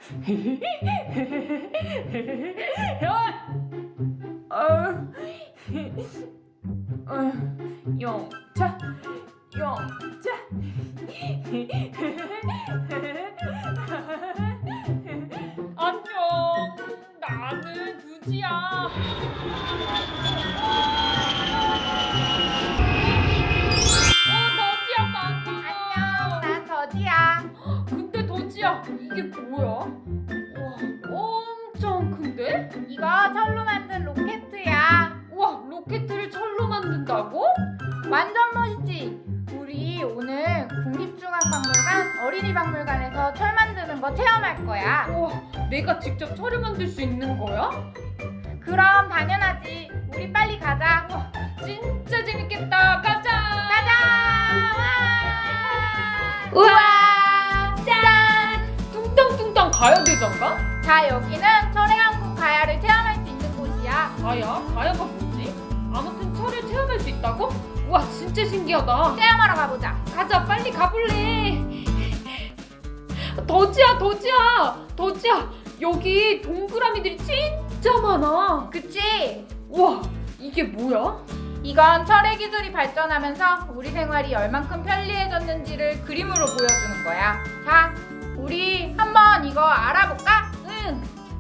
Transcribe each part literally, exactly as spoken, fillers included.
어, 어, 영차, 영차. 안녕, 나는 두지야. 어, 더지야 반가워. 안녕, 난 더지야. 근데 더지야, 이게 뭐야? 와, 엄청 큰데? 이거 철로 만든 로켓이야. 우와, 로켓을 철로 만든다고? 완전 멋있지? 우리 오늘 국립중앙박물관 어린이박물관에서 철 만드는 거 체험할 거야. 우와, 내가 직접 철을 만들 수 있는 거야? 그럼 당연하지. 우리 빨리 가자. 우와, 진짜 재밌겠다. 가자. 가자. 우와, 짠. 뚱땅뚱땅 가야 되잖아? 자, 여기는 철의 한국 가야를 체험할 수 있는 곳이야. 가야? 가야가 뭐지? 아무튼 철을 체험할 수 있다고? 우와, 진짜 신기하다. 체험하러 가보자. 가자, 빨리 가볼래. 더지야, 더지야, 더지야. 여기 동그라미들이 진짜 많아. 그치? 우와, 이게 뭐야? 이건 철의 기술이 발전하면서 우리 생활이 얼만큼 편리해졌는지를 그림으로 보여주는 거야. 자, 우리 한번 이거 알아볼까? 응.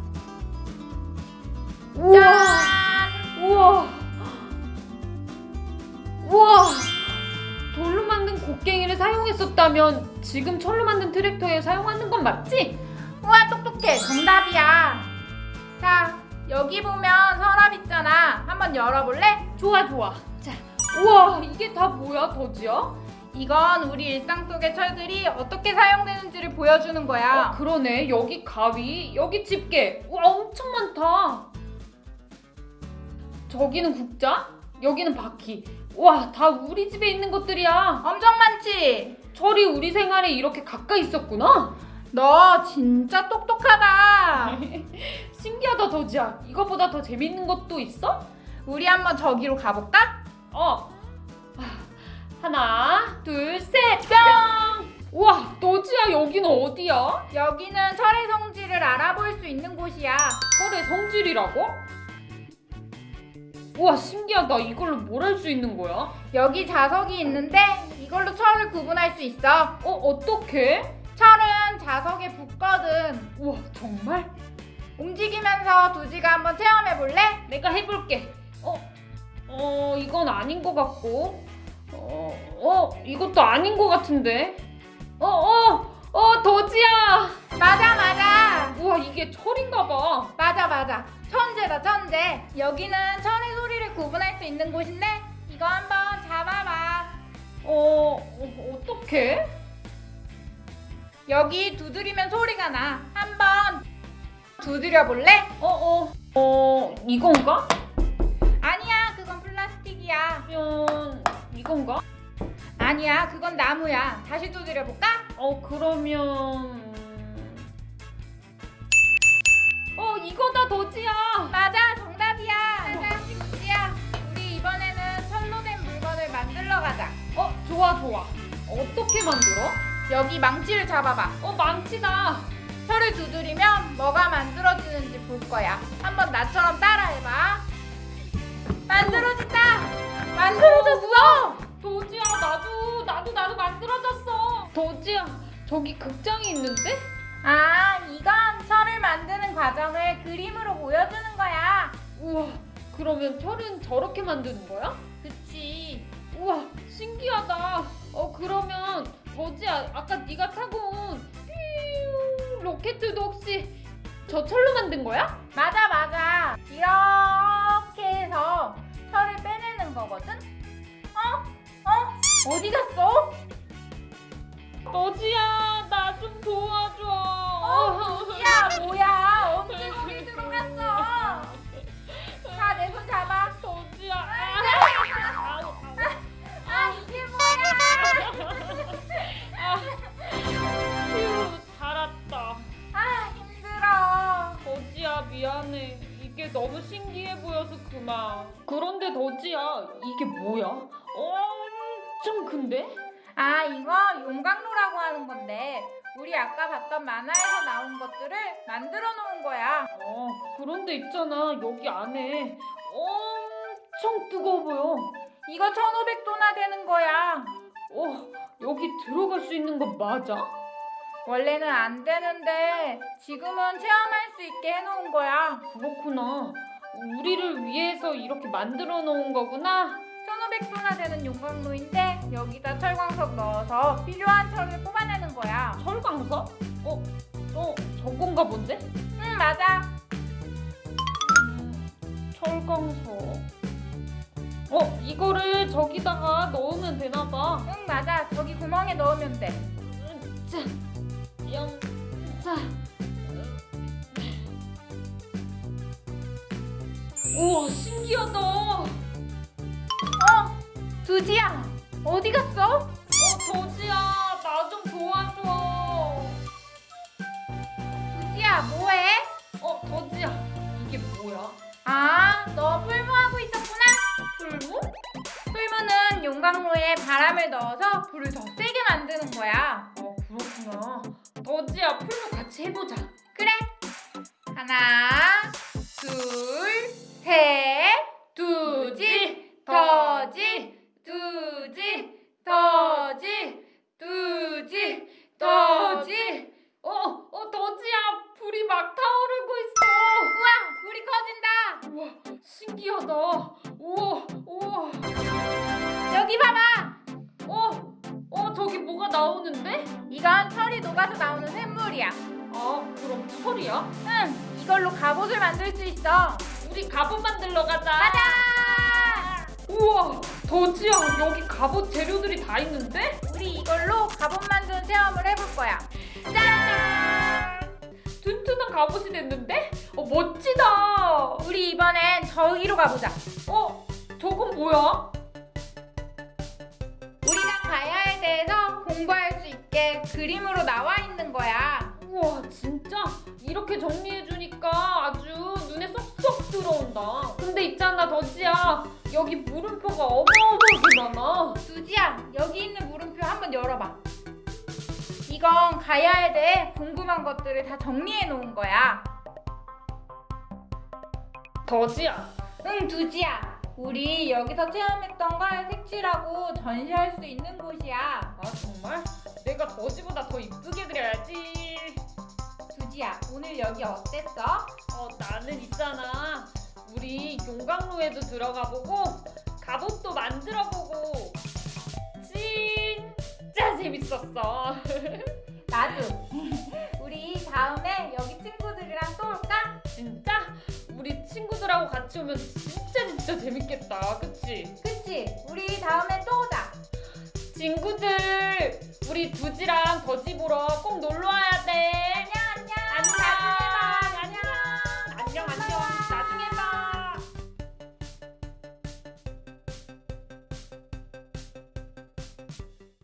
우와, 짠! 우와, 우와. 돌로 만든 곡괭이를 사용했었다면 지금 철로 만든 트랙터에 사용하는 건 맞지? 우와, 똑똑해. 정답이야. 자, 여기 보면 서랍 있잖아. 한번 열어볼래? 좋아, 좋아. 자, 우와, 이게 다 뭐야, 더지야? 이건 우리 일상 속의 철들이 어떻게 사용되는지를 보여주는 거야. 어, 그러네. 여기 가위, 여기 집게. 우와, 엄청 많다. 저기는 국자, 여기는 바퀴. 와, 다 우리 집에 있는 것들이야. 엄청 많지? 철이 우리 생활에 이렇게 가까이 있었구나. 너 진짜 똑똑하다. 신기하다, 더지야. 이거보다 더 재밌는 것도 있어? 우리 한번 저기로 가볼까? 어. 하나, 둘, 셋, 뿅! 우와, 더지야, 여기는 어디야? 여기는 철의 성질을 알아볼 수 있는 곳이야. 철의 성질이라고? 우와, 신기하다. 이걸로 뭘 할 수 있는 거야? 여기 자석이 있는데 이걸로 철을 구분할 수 있어. 어, 어떡해? 철은 자석에 붙거든. 우와, 정말? 움직이면서 두지가 한번 체험해 볼래? 내가 해볼게. 어, 어, 이건 아닌 것 같고. 어, 어, 이것도 아닌 것 같은데. 어, 어, 어, 더지야. 맞아, 맞아. 우와, 이게 철인가 봐. 맞아, 맞아. 천재다, 천재. 여기는 철의 소리를 구분할 수 있는 곳인데 이거 한번 잡아봐. 어, 어 어떡해? 여기 두드리면 소리가 나. 한번 두드려 볼래? 어, 어, 어, 이건가? 아니야, 그건 플라스틱이야. 그러면 이건가? 아니야, 그건 나무야. 다시 두드려 볼까? 어, 그러면 어, 이거다, 더지야. 맞아, 정답이야. 맞아, 두지야. 우리 이번에는 철로 된 물건을 만들러 가자. 어, 좋아, 좋아. 어떻게 만들어? 여기 망치를 잡아봐. 어, 망치다. 철을 두드리면 뭐가 만들어지는지 볼 거야. 한번 나처럼 따라해봐. 만들어진다. 만들어졌어. 더지야, 나도, 나도, 나도 만들어졌어. 더지야, 저기 극장이 있는데? 아, 이건 철을 만드는 과정을 그림으로 보여주는 거야. 우와, 그러면 철은 저렇게 만드는 거야? 그치. 우와, 신기하다. 어, 그러면 더지야, 아까 네가 타고 온 삐우 로켓도 혹시 저 철로 만든 거야? 맞아, 맞아. 이렇게 해서 철을 빼내는 거거든. 어? 어? 어디 갔어? 더지야, 나 좀 도와줘. 어, 두지야, 뭐야? 언제 거기 들어갔어? 자, 내 손 잡아. 더지야. 아, 아우, 아우. 아, 이게 뭐야? 아, 휴, 살았다. 아, 힘들어. 더지야, 미안해. 이게 너무 신기해 보여서 그만. 그런데 더지야, 이게 뭐야? 엄청 큰데? 아, 이거 용광로라고 하는 건데 우리 아까 봤던 만화에서 나온 것들을 만들어 놓은 거야. 어, 그런데 있잖아. 여기 안에 엄청 뜨거워 보여. 이거 천오백 도나 되는 거야. 어, 여기 들어갈 수 있는 거 맞아? 원래는 안 되는데 지금은 체험할 수 있게 해놓은 거야. 그렇구나. 우리를 위해서 이렇게 만들어 놓은 거구나. 천오백 도나 되는 용광로인데 여기다 철광석 넣어서 필요한 철을 뽑아내는 거야. 철광석? 어, 어, 저건가 본데? 응, 맞아. 음, 철광석. 어, 이거를 저기다가 넣으면 되나 봐. 응, 맞아. 저기 구멍에 넣으면 돼. 자, 영, 자. 우와, 신기하다. 어, 두지야, 어디 갔어? 더지야, 나 좀 도와줘. 두지야, 뭐해? 어, 더지야, 이게 뭐야? 아, 너 풀무하고 있었구나. 풀무? 풀무는 용광로에 바람을 넣어서 불을 더 세게 만드는 거야. 어, 그렇구나. 더지야, 풀무 같이 해보자. 그래. 하나, 둘, 셋. 두지, 더지, 두지, 더지, 두지, 더지. 어, 어, 더지야, 불이 막 타오르고 있어. 우와, 불이 커진다. 우와, 신기하다. 우와, 우와. 여기 봐봐. 어, 어, 저기 뭐가 나오는데? 이건 철이 녹아서 나오는 샘물이야. 아, 그럼 철이야? 응, 이걸로 갑옷을 만들 수 있어. 우리 갑옷 만들러 가자. 가자. 우와, 더지야, 여기 갑옷 재료들이 다 있는데? 우리 이걸로 갑옷 만드는 체험을 해볼 거야. 짠! 튼튼한 갑옷이 됐는데? 어, 멋지다. 우리 이번엔 저기로 가보자. 어, 저건 뭐야? 우리가 가야에 대해서 공부할 수 있게 그림으로 나와 있는 거야. 우와, 진짜? 이렇게 정리해주니까 아주 눈에 쏙쏙 들어온다. 근데 있잖아, 더지야. 여기 물음표가 어마어마하게 많아. 두지야, 여기 있는 물음표 한번 열어봐. 이건 가야에 대해 궁금한 것들을 다 정리해 놓은 거야. 더지야. 응, 두지야. 우리 여기서 체험했던 걸 색칠하고 전시할 수 있는 곳이야. 아, 정말? 내가 더지보다 더 이쁘게 그려야지. 두지야, 오늘 여기 어땠어? 어, 나는 있잖아. 우리 용광로에도 들어가보고 갑옷도 만들어보고 진짜 재밌었어. 나도. 우리 다음에 여기 친구들이랑 또 올까? 진짜? 우리 친구들하고 같이 오면 진짜 진짜 재밌겠다. 그치? 그치? 우리 다음에 또 오자. 친구들, 우리 두지랑 더지 보러 꼭 놀러와요.